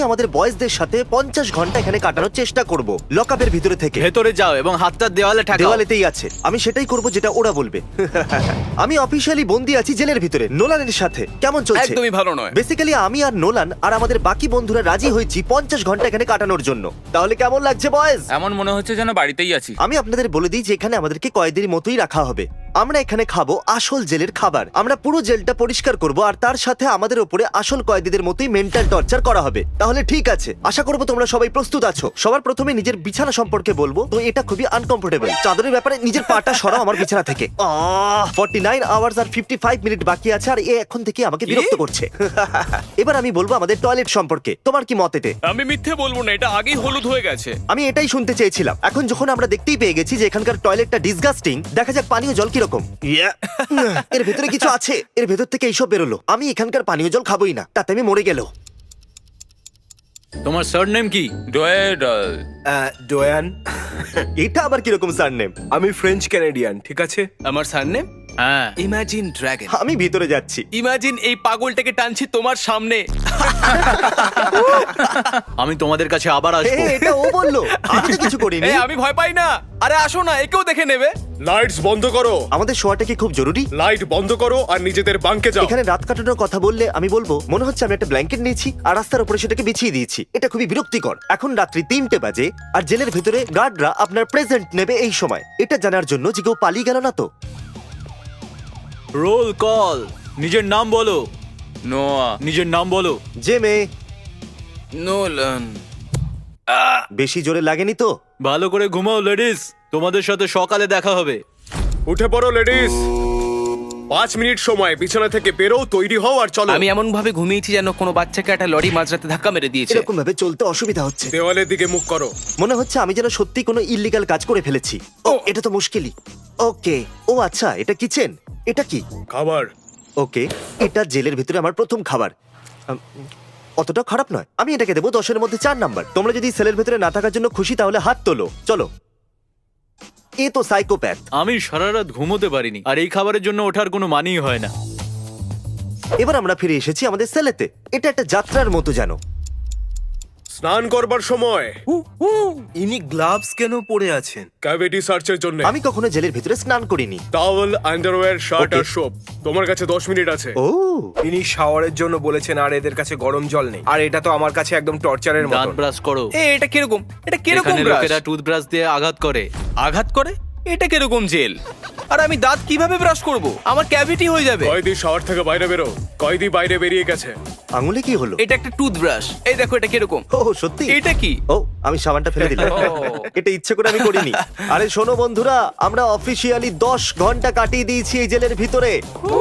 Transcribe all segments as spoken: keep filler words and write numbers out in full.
আমাদের বয়েজদের সাথে পঞ্চাশ ঘন্টা এখানে কাটানোর চেষ্টা করব লকআপের ভিতরে থেকে। ভেতরে যাও এবং হাতটা দেওয়ালে ঠাকাও। দেওয়ালেতেই আছে, আমি সেটাই করব যেটা ওরা বলবে। আমি অফিশিয়ালি বন্দি আছি জেলের ভিতরে নোলানের সাথে। কেমন চলছে? একদমই ভালো নয়। বেসিক্যালি আমি আর নোলান আর আমাদের বাকি বন্ধুরা রাজি হয়েছি পঞ্চাশ ঘন্টা এখানে কাটানোর জন্য। তাহলে কেমন লাগছে বয়েজ? এমন মনে হচ্ছে যেন বাড়িতেই আছি। আমি আপনাদের বলে দিই যে এখানে আমাদেরকে কয়েদের মতোই রাখা হবে। আমরা এখানে খাবো আসল জেলের খাবার। আমরা পুরো জেলটা পরিষ্কার করব আর তার সাথে আমাদের উপরে আসল কয়েদিদের মতোই মেন্টাল টর্চার করা হবে। তাহলে ঠিক আছে, আশা করবো তোমরা সবাই প্রস্তুত আছো। সবার প্রথমে নিজের বিছানা সম্পর্কে বলবো। তো এটা খুবই আনকমফোর্টেবল। চাদরের ব্যাপারে নিজের পাটা সরাও আমার বিছানা থেকে। ফর্টি নাইন আওয়ার্স আর ফিফটি ফাইভ মিনিট বাকি আছে আর এ এখন থেকে আমাকে বিরক্ত করছে। এবার আমি বলবো আমাদের টয়লেট সম্পর্কে। তোমার কি মত এতে? আমি মিথ্যে বলবো না, এটা আগেই হলুদ হয়ে গেছে। আমি এটাই শুনতে চেয়েছিলাম। এখন যখন আমরা দেখতেই পেয়ে গেছি যে এখানকার টয়লেটটা ডিসগাস্টিং, দেখা যাক পানীয় জল কিরকম। এর ভেতরে কিছু আছে, এর ভেতর থেকে এইসব বেরোলো। আমি এখানকার পানীয় জল খাবোই না, তাতে আমি মরে গেল। তোমার সারনেম কি? ডয়েড ডোয়ান। এটা আবার কিরকম সারনেম? আমি ফ্রেঞ্চ ক্যানাডিয়ান, ঠিক আছে? আমার সারনেম হ্যাঁ। Imagine dragon. আমি ভিতরে যাচ্ছি। ইমাজিন এই পাগলটাকে টানছি তোমার সামনে। আমি তোমাদের কাছে আবার এ, আসবো। এটা ও বললো, আমি তো কিছু করিনি। এই আমি ভয় পাই না। আরে আসো না, একেও দেখে নেবে। লাইটস বন্ধ করো, আমাদের শোয়াটা কি খুব জরুরি? লাইট বন্ধ করো আর নিজেদের বাঙ্কে যাও। এখানে রাত কাটানোর কথা বললে আমি বলবো মনে হচ্ছে আমি একটা ব্ল্যাঙ্কেট নিয়েছি আর রাস্তার উপরে সেটাকে বিছিয়ে দিয়েছি। এটা খুবই বিরক্তিকর। এখন রাত্রি তিনটে বাজে আর জেলের ভেতরে গার্ডরা আপনার প্রেজেন্ট নেবে এই সময়। এটা জানার জন্য যে কেউ পালিয়ে গেল না তো। Roll call. নিজের নাম বলো। নোয়া নিজের নাম বলো। যে মেয়ে নোলান। বেশি জোরে লাগেনি তো? ভালো করে ঘুমাও লেডিস, তোমাদের সাথে সকালে দেখা হবে। উঠে পড়ো লেডিস, পাঁচ মিনিট সময় বিছানা থেকে বেরো, তৈরি হও আর চলো। আমি এমন ভাবে ঘুমিয়েছি যেন কোনো বাচ্চাকে একটা লরি মাঝরাতে ধাক্কা মেরে দিয়েছে। এরকম ভাবে চলতে অসুবিধা হচ্ছে। দেওয়ালের দিকে মুখ করো। মনে হচ্ছে আমি যেন সত্যি কোনো ইল্লিগাল কাজ করে ফেলেছি। ও এটা তো মুশকিলই। ওকে, ও আচ্ছা, এটা কিচেন। এটা কি? খাবার। ওকে, এটা জেলের ভিতরে আমার প্রথম খাবার। আম, অতটা খারাপ নয়। আমি এটাকে দেবো দশের মধ্যে চার নাম্বার। তোমরা যদি সেলের ভিতরে না থাকার জন্য খুশি তাহলে হাত তোলো। চলো। এ তো সাইকোপ্যাথ। আমি সারা রাত ঘুমোতে পারিনি আর এই খাবারের জন্য ওঠার কোনো মানেই হয় না। এবার আমরা ফিরে এসেছি আমাদের সেলেতে। এটা একটা যাত্রার মতো জানো। স্নান করবার সময় ইনি গ্লাভস কেন পরে আছেন? ক্যাভিটি সার্চের জন্য। আমি কখনো জেলের ভিতরে স্নান করিনি। টাওয়েল, আন্ডারওয়্যার, শার্ট আর Okay. সোপ। তোমার কাছে দশ মিনিট আছে। ও ইনি শাওয়ারের জন্য বলেছেন আর এদের কাছে গরম জল নেই। আর এটা তো আমার কাছে একদম টর্চারের দাঁত মতো। ব্রাশ করো। এ এটা কিরকম? এটা কিরকম এখানে ব্রাশ? লোকেরা টুথব্রাশ দিয়ে আঘাত করে। আঘাত করে? এটা কিরকম জেল? আর আমি দাঁত কিভাবে ব্রাশ করব? আমার ক্যাভিটি হয়ে যাবে। কয়েদি শাওয়ার থেকে বাইরে বেরো। কয়েদি বাইরে বেরিয়ে গেছে। আঙুলে কি হলো? এটা একটা টুথব্রাশ। এই দেখো এটা কিরকম। ও সত্যি? এটা কি? ও আমি সাবানটা ফেলে দিলাম। ও। এটা ইচ্ছে করে আমি করিনি। আরে শোনো বন্ধুরা, আমরা অফিসিয়ালি দশ ঘন্টা কাটিয়ে দিয়েছি এই জেলের ভিতরে।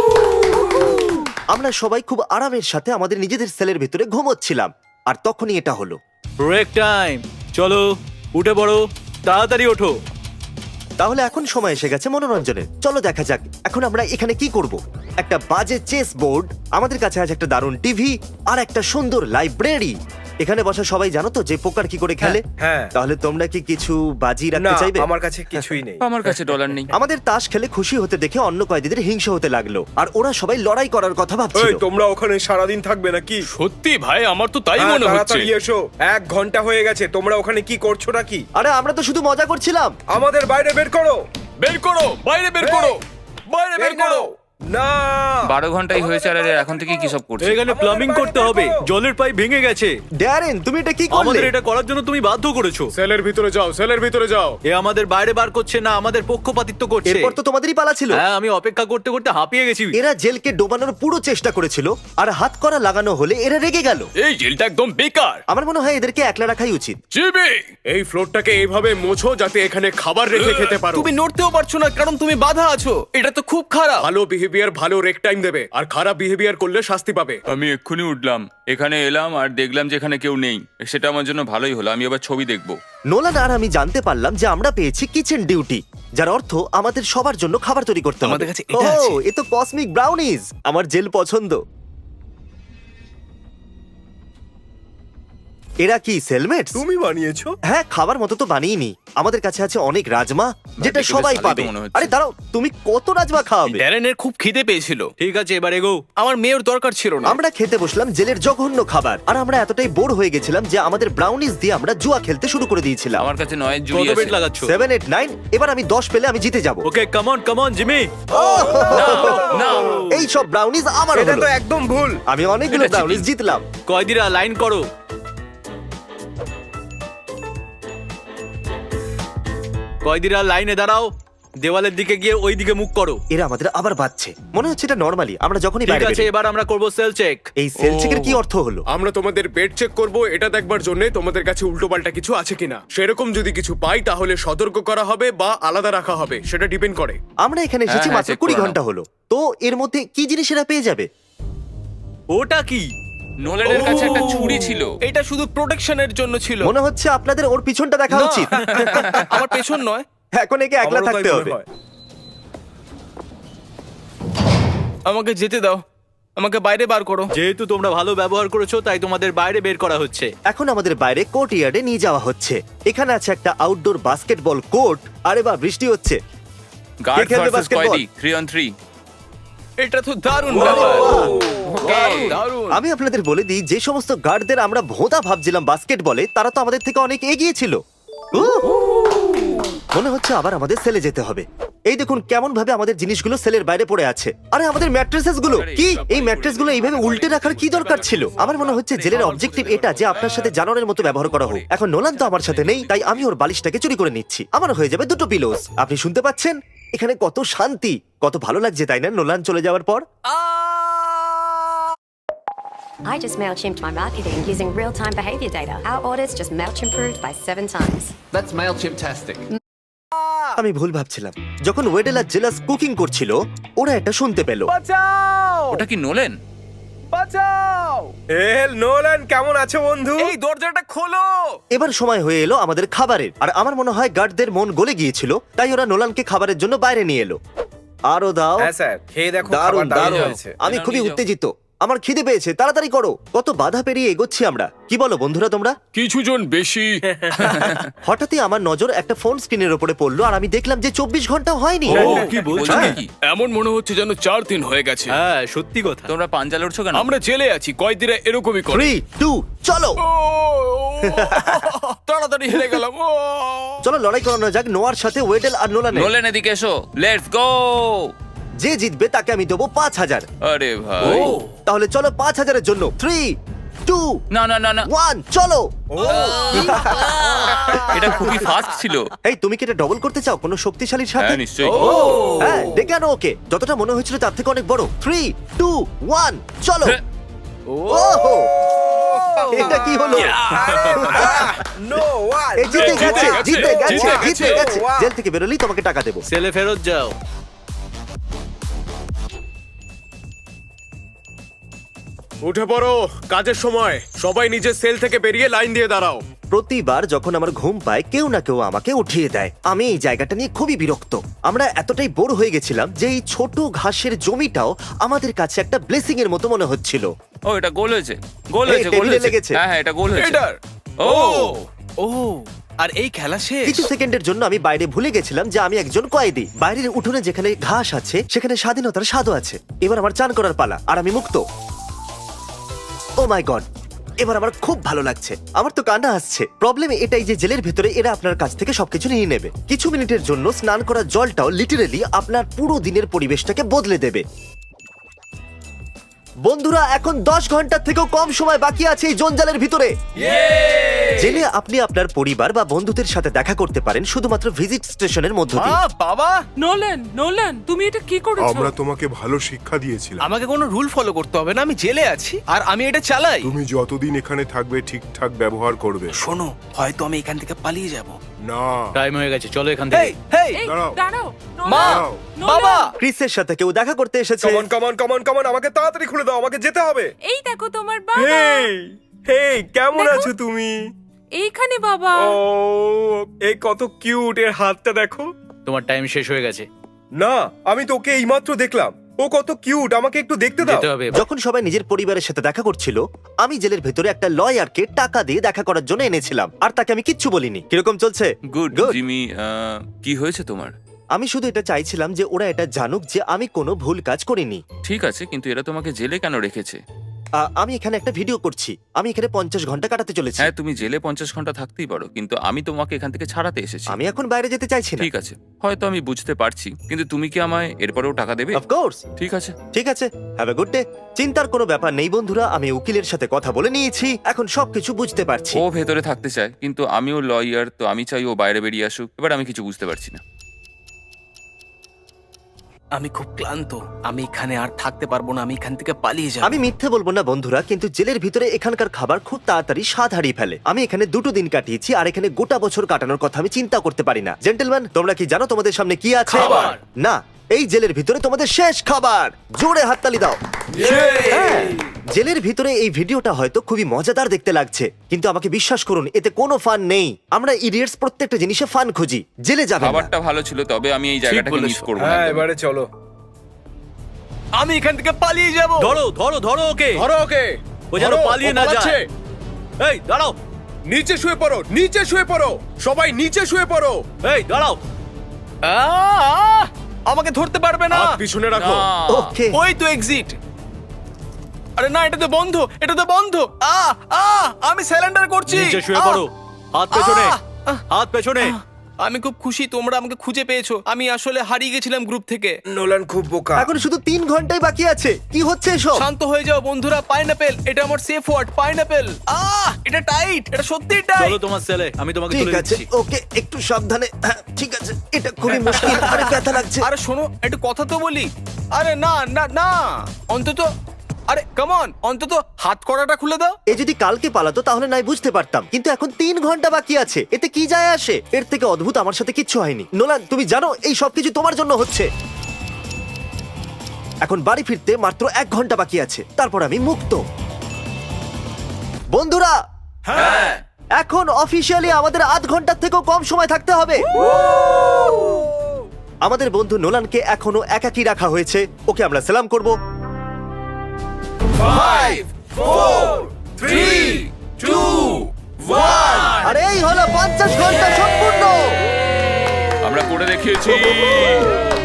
আমরা সবাই খুব আরামের সাথে আমাদের নিজেদের সেলের ভিতরে ঘুমোচ্ছিলাম আর তখনই এটা হলো। Break time. চলো উঠে পড়ো, তাড়াতাড়ি ওঠো। তাহলে এখন সময় এসে গেছে মনোরঞ্জনের। চলো দেখা যাক এখন আমরা এখানে কি করব। একটা বাজে চেস বোর্ড, আমাদের কাছে আছে একটা দারুণ টিভি আর একটা সুন্দর লাইব্রেরি। এখানে বসা সবাই জানো তো যে পোকার কি করে খেলে? হ্যাঁ। তাহলে তোমরা কি কিছু বাজি না, রাখতে চাইবে? আমার কাছে কিছুই নেই। আমার কাছে ডলার নেই। আমাদের তাস খেলে খুশি হতে দেখে অন্য কয়েদিদের হিংসা হতে লাগলো আর ওরা সবাই লড়াই করার কথা এই ভাবছিল। তোমরা ওখানে সারাদিন থাকবে নাকি? সত্যি ভাই, আমার তো তাই হ্যাঁ, মনে হচ্ছে। তাড়াতাড়ি এসো, এক ঘন্টা হয়ে গেছে। তোমরা ওখানে কি করছো নাকি? আরে আমরা তো শুধু মজা করছিলাম। আমাদের বাইরে বের করো। বের করো, বাইরে বের করো, বাইরে বের এই করো। নাও। না, বারো ঘন্টাই হয়েছে আর এরা এখন থেকে কি সব করছে? এখানে প্লাম্বিং করতে হবে। জলের পাইপ ভেঙে গেছে। ড্যারেন তুমি এটা কি করলে? আমাদের এটা করার জন্য তুমি বাধ্য করেছো। সেলের ভিতরে যাও, সেলের ভিতরে যাও। এ আমাদের বাইরে বার করছে না, আমাদের পক্ষপাতিত্ব করছে। এরপর তো তোমাদেরই পালা ছিল। হ্যাঁ, আমি অপেক্ষা করতে করতে হাঁপিয়ে গেছি। এরা জেলকে ডোবানোর পুরো চেষ্টা করেছিল আর হাত করা লাগানো হলে এরা রেগে গেল। এই জেলটা একদম বেকার। আমার মনে হয় এদেরকে একলা রাখাই উচিত। জিমি, এই ফ্লোরটাকে এইভাবে মোছো যাতে এখানে খাবার রেখে খেতে পারো। তুমি নড়তেও পারছো না কারণ তুমি বাধা আছো। এটা তো খুব খারাপ। ভালো বিহেভিয়ার ভালো রেক টাইম দেবে আর খারাপ বিহেভিয়ার করলে শাস্তি পাবে। আমি এক্ষুনি উঠলাম, এখানে এলাম আর দেখলাম যে এখানে কেউ নেই। সেটা আমার জন্য ভালোই হলো। আমি এবার ছবি দেখবো। নোলান আর আমি জানতে পারলাম যে আমরা পেয়েছি কিচেন ডিউটি, যার অর্থ আমাদের সবার জন্য খাবার তৈরি করতে হবে। আমাদের কাছে এটা ও, আছে। এ তো কসমিক ব্রাউনিজ। আমার জেল পছন্দ। এরা কি সেলমেটস? তুমি বানিয়েছো? হ্যাঁ, খাবার মতো তো বানিয়েনি। আমাদের কাছে আছে অনেক রাজমা, যেটা দেখে বেশ সবাই ভালোই তো পাবে। মনে হচ্ছে। আরে দাঁড়াও, তুমি কত রাজমা খাওয়াবে? ড্যারেনের খুব খিদে পেয়েছিল। ঠিক আছে, এবার এগো। আমার মেয়ের দরকার ছিল না। আমরা খেতে বসলাম জেলের জঘন্য খাবার, আর আমরা এতটাই বোর হয়ে গেছিলাম যে আমাদের ব্রাউনিজ দিয়ে আমরা জুয়া খেলতে শুরু করে দিয়েছিলাম। আমার কাছে নয়ের জুড়ি কত আছে। বেট লাগাচ্ছ? সেভেন এইট নাইন, এবার আমি দশ পেলে আমি জিতে যাব। Okay, come on come on Jimmy. না এই সব ব্রাউনিজ আমার এটা হলো। তো একদম ভুল। আমি অনেকগুলো এটা ব্রাউনিজ cheating। জিতলাম। কয়দিরা লাইন করো। কয়দিরা লাইনে দাঁড়াও, দেওয়ালের দিকে গিয়ে ওই দিকে মুখ করো। এরা আমাদের আবার বাজছে, মনে হচ্ছে এটা নরমালি আমরা যখনই ঠিক বাইরে আছে, বেরোই। এবার আমরা করব সেল চেক। এই সেল চেকের কি অর্থ হলো? আমরা তোমাদের বেড চেক করব এটা দেখবার জন্য তোমাদের কাছে উল্টোপাল্টা কিছু আছে কিনা। সেরকম যদি কিছু পাই তাহলে সতর্ক করা হবে বা আলাদা রাখা হবে, সেটা ডিপেন্ড করে। আমরা এখানে এসেছি হ্যাঁ, মাত্র check কুড়ি করে ঘন্টা হলো, তো এর মধ্যে কি জিনিস এরা পেয়ে যাবে? ওটা কি? নোলানের কাছে একটা ছুরি ছিল। এটা শুধু প্রোটেকশনের জন্য ছিল। মনে হচ্ছে আপনাদের ওর পিছনটা দেখা না। উচিত। আমার পেছন নয়। এখন একে একলা আমারও তাই থাকতে মনে হবে। হয়। আমাকে যেতে দাও, আমাকে বাইরে বার করো। যেহেতু তোমরা ভালো ব্যবহার করেছো, তাই তোমাদের বাইরে বের করা হচ্ছে। এখন আমাদের বাইরে কোর্ট ইয়ার্ডে নিয়ে যাওয়া হচ্ছে। এখানে আছে একটা আউটডোর বাস্কেটবল কোর্ট। আরে বা বৃষ্টি হচ্ছে। গার্ড খেলবে ভার্সেস basketball? কয়দি থ্রি অন থ্রি। এটা তো দারুণ ব্যাপার। Okay. দারুণ। আমি আপনাদের বলে দিই, যে সমস্ত গার্ডদের আমরা ভোঁতা ভাবছিলাম বাস্কেটবলে, তারা তো আমাদের থেকে অনেক এগিয়ে ছিল। উহ! মনে হচ্ছে আবার আমাদের সেলে যেতে হবে। এই দেখুন কেমন ভাবে আমাদের জিনিসগুলো সেলের বাইরে পড়ে আছে। আরে আমাদের ম্যাট্রেসেস গুলো কি? এই ম্যাট্রেস গুলো এইভাবে উল্টে রাখার কি দরকার ছিল? আমার মনে হচ্ছে জেলের অবজেক্টিভ এটা যে আপনার সাথে জানোয়ারের মতো ব্যবহার করা হোক। এখন নোলান তো আমার সাথে নেই, তাই আমি ওর বালিশটাকে চুরি করে নিচ্ছি। আমার হয়ে যাবে দুটো পিলোস। আপনি শুনতে পাচ্ছেন? এখানে কত শান্তি, কত ভালো লাগছে, তাই না? নোলান চলে যাওয়ার পর I just MailChimped my marketing using real-time behavior data. Our orders just MailChimped by seven times. That's MailChimp-tastic. আমি ভুল ভাবছিলাম। যখন ওয়েডেল আর জেলাস কুকিং করছিল, ওরা এটা শুনতে পেল। বাঁচাও! ওটা কি নোলেন? বাঁচাও! এল নোলান, কেমন আছো বন্ধু? এই দরজাটা খোলো। এবার সময় হয়ে এলো আমাদের খাবারের, আর আমার মনে হয় গার্ডদের মন গলে গিয়েছিল, তাই ওরা নোলানকে খাবারের জন্য বাইরে নিয়ে এলো। আরো দাও। হ্যাঁ স্যার, খেয়ে দেখো, দারুণ খাবার দারুণ দারুণ। হয়েছে। আমি এনাও খুবই নিয়ে যাও। উত্তেজিত, আমার খিদে পেয়েছে, তাড়াতাড়ি করো। কত বাধা পেরিয়ে এগোচ্ছি আমরা, কি বলো বন্ধুরা তোমরা? কিছুজন বেশি। হঠাৎই আমার নজর একটা ফোন স্ক্রিনের উপরে পড়লো, আর আমি দেখলাম যে চব্বিশ ঘন্টা হয়নি। কি বলছো? বলছো কি? এমন মনে হচ্ছে যেন চার দিন হয়ে গেছে। হ্যাঁ, সত্যি কথা। তোমরা পাঞ্জা লড়ছো কেন? আমরা জেলে আছি, কয়েদিরা এরকমই করে। থ্রি টু চলো তাড়াতাড়ি হেরে গেলাম। ও! চলো লড়াই করানো যাক নোয়ার সাথে ওয়েডেল আর নোলানের। নোলেন এদিকে এসো, লেটস গো। যে জিতবে তাকে আমি দেবো পাঁচ হাজার। আরে ভাই, তাহলে চলো পাঁচ হাজারের জন্য থ্রি টু না না না না, ওয়ান চলো। এটা খুবই ফাস্ট ছিল। এই তুমি কি এটা ডবল করতে চাও কোনো শক্তিশালীর সাথে? হ্যাঁ নিশ্চয়ই। হ্যাঁ, ডেকে আনো ওকে। যতটা মনে হয়েছিল তার থেকে অনেক বড়। থ্রি টু ওয়ান চলো। হ্যাঁ। ওহো! এটা কি হলো? নোলান! এই জিতে গেছে, গেছে, জিতে গেছে, জিতে গেছে। জিতে গেছে। Wow! জেল থেকে বেরোলেই তোমাকে টাকা দেবো। সেলে ফেরত যাও। উঠে পড়ো, কাজের সময়। সবাই নিজের সেল থেকে বেরিয়ে লাইন দিয়ে দাঁড়াও। প্রতিবার যখন আমার ঘুম পায়, কেউ না কেউ আমাকে উঠিয়ে দেয়। আমি এই জায়গাটা নিয়ে খুবই বিরক্ত। আমরা এতটাই বোর হয়ে গেছিলাম যে এই ছোট ঘাসের জমিটাও আমাদের কাছে একটা ব্লেসিং এর মতো মনে হচ্ছিল। ও এটা গোল হয়েছে, গোল এই, হয়েছে, গোল টেবিলে হয়েছে। লেগেছে। হ্যাঁ হ্যাঁ, এটা গোল হয়েছে। এটার ও ও আর এই খেলা শেষ। কিছু সেকেন্ডের জন্য আমি বাইরে ভুলে গেছিলাম যে আমি একজন কয়েদি। বাইরের উঠোনে যেখানে ঘাস আছে সেখানে স্বাধীনতার স্বাদও আছে। এবার আমার চান করার পালা, আর আমি মুক্ত। ও মাই গড, এবার আমার খুব ভালো লাগছে। আমার তো কান্না আসছে। প্রবলেম এটাই যে জেলের ভেতরে এরা আপনার কাছ থেকে সবকিছু নিয়ে নেবে। কিছু মিনিটের জন্য স্নান করার জলটাও লিটারেলি আপনার পুরো দিনের পরিবেশটাকে বদলে দেবে। বন্ধুরা, এখন দশ ঘন্টার থেকেও কম সময় বাকি আছে এই জঞ্জালের ভিতরে। জেলে আপনি আপনার পরিবার বা বন্ধুদের সাথে দেখা করতে পারেন শুধুমাত্র ভিজিট স্টেশনের মধ্য দিয়ে। মা, বাবা, নোলান নোলান তুমি এটা কি করেছো? আমরা তোমাকে ভালো শিক্ষা দিয়েছিলাম। আমাকে কোনো রুল ফলো করতে হবে না। আমি জেলে আছি আর আমি এটা চালাই। তুমি যতদিন এখানে থাকবে ঠিকঠাক ব্যবহার করবে। শোনো, হয়তো আমি এখান থেকে পালিয়ে যাব। না, টাইম হয়ে গেছে, চলো এখান হেই থেকে। হেই, এই দাঁড়াও। দাঁড়াও মা, দাঁড়াও। বাবা, ক্রিসের সাথে কেউ দেখা করতে এসেছে। কমন কমন কমন কমন, আমাকে তাড়াতাড়ি খুলে দাও, আমাকে যেতে হবে। এই দেখো তোমার বাবা হেই হেই, কেমন দেখো। আছো তুমি? এইখানে বাবা। ও, এই কত কিউট, এর হাতটা দেখো। তোমার টাইম শেষ হয়ে গেছে। না, আমি তো ওকে এইমাত্র দেখলাম। ও ও কত কিউট, আমাকে একটু দেখতে দাও। যেতে হবে এবার। যখন সবাই নিজের পরিবারের সাথে দেখা করছিল আমি জেলের ভেতরে একটা লয়ারকে টাকা দিয়ে দেখা করার জন্য এনেছিলাম আর তাকে আমি কিচ্ছু বলিনি। কিরকম চলছে? Good Good. জিমি আহ, কি হয়েছে তোমার? আমি শুধু এটা চাইছিলাম যে ওরা এটা জানুক যে আমি কোনো ভুল কাজ করিনি। ঠিক আছে, কিন্তু এরা তোমাকে জেলে কেন রেখেছে? আ, আমি এখানে একটা ভিডিও করছি, আমি এখানে পঞ্চাশ ঘন্টা কাটাতে চলেছি। হ্যাঁ, তুমি জেলে পঞ্চাশ ঘন্টা থাকতেই পারো, কিন্তু আমি তোমাকে এখান থেকে ছাড়াতে এসেছি। আমি এখন বাইরে যেতে চাইছি না। ঠিক আছে, হয়তো আমি বুঝতে পারছি, কিন্তু তুমি কি আমায় এরপরেও টাকা দেবে? অফকোর্স। ঠিক আছে। ঠিক আছে, হ্যাভ এ গুড ডে। চিন্তার কোনো ব্যাপার নেই বন্ধুরা, আমি উকিলের সাথে কথা বলে নিয়েছি, এখন সবকিছু বুঝতে পারছি। ও ভেতরে থাকতে চায়, কিন্তু আমিও লয়ার, তো আমি চাই ও বাইরে বেরিয়ে আসুক। এবার আমি কিছু বুঝতে পারছি না। আমি খুব ক্লান্ত, আমি এখানে আর থাকতে পারবো না, আমি এখান থেকে পালিয়ে যাব। আমি মিথ্যে বলবো না বন্ধুরা, কিন্তু জেলের ভিতরে এখানকার খাবার খুব তাড়াতাড়ি স্বাদ হারিয়ে ফেলে। আমি এখানে দুটো দিন কাটিয়েছি আর এখানে গোটা বছর কাটানোর কথা আমি চিন্তা করতে পারি না। জেন্টলম্যান, তোমরা কি জানো তোমাদের সামনে কি আছে? খাবার। না, এই জেলের ভিতরে তোমাদের শেষ খাবার। জোরে হাততালি দাও। হ্যাঁ, জেলের ভিতরে এই ভিডিওটা হয়তো খুবই মজাদার দেখতে লাগছে, কিন্তু আমাকে বিশ্বাস করুন এতে কোনো ফান নেই। আমরা ইডিয়টস প্রত্যেকটা জিনিসে ফান খুঁজি, জেলে যাবে না। খাবারটা ভালো ছিল, তবে আমি এই জায়গাটাকে বলেছো। মিস করবো না। হ্যাঁ, একদম। এবারে চলো। আমি এখান থেকে পালিয়ে যাব। ধরো ধরো ধরো ওকে, ধরো ওকে। ও যেন ধরো, পালিয়ে ও না পালাচ্ছে। যায়। এই দাঁড়াও, নিচে শুয়ে পড়ো, নিচে শুয়ে পড়ো, সবাই নিচে শুয়ে পড়ো। এই দাঁড়াও। আহ, আহ, আমাকে ধরতে পারবে না। হাত পিছনে রাখো। না। ওকে, ওই তো এক্সিট। আরে না, এটা তো বন্ধ, এটা তো বন্ধ। আহ আহ আমি স্যালেন্ডার করছি। নিচে শুয়ে আহ, পড়ো, হাত পেছনে, আহ, আহ, হাত পেছনে। আমি খুব খুশি তোমরা আমাকে খুঁজে পেয়েছো। আমি আসলে হারিয়ে গেছিলাম গ্রুপ থেকে। নোলান খুব বোকা। এখন শুধু তিন ঘন্টাই বাকি আছে। কি হচ্ছে এসব? শান্ত হয়ে যাও বন্ধুরা। পাইনাপেল, এটা আমার সেফ ওয়ার্ড। পাইনাপেল। আহ এটা টাইট, এটা সত্যি টাইট। চলো তোমার ছেলে, আমি তোমাকে ঠিক তুলে আছে, দিচ্ছি। ওকে, একটু সাবধানে। হ্যাঁ, ঠিক আছে, এটা খুবই মুশকিল, আরে ব্যথা লাগছে। আরে শোনো, একটু কথা তো বলি। আরে না না না, অন্তত আরে কাম অন, অন্তত হাত কড়াটা খুলে দাও। এ যদি কালকে পালাতো তাহলে নাই বুঝতে পারতাম, কিন্তু এখন তিন ঘন্টা বাকি আছে, এতে কি যায় আসে? এর থেকে অদ্ভুত আমার সাথে কিচ্ছু হয়নি। নোলান, তুমি জানো এই সবকিছু তোমার জন্য হচ্ছে। এখন বাড়ি ফিরতে মাত্র এক ঘন্টা বাকি আছে, তারপর আমি মুক্ত। বন্ধুরা, হ্যাঁ। এখন অফিসিয়ালি আমাদের আধ ঘন্টার থেকেও কম সময় থাকতে হবে। আমাদের বন্ধু নোলানকে এখনো একাকী রাখা হয়েছে, ওকে আমরা সালাম করব। Five, four, three, two, one. আর এই হলো পঞ্চাশ ঘন্টা সম্পূর্ণ। আমরা করে দেখিয়েছি।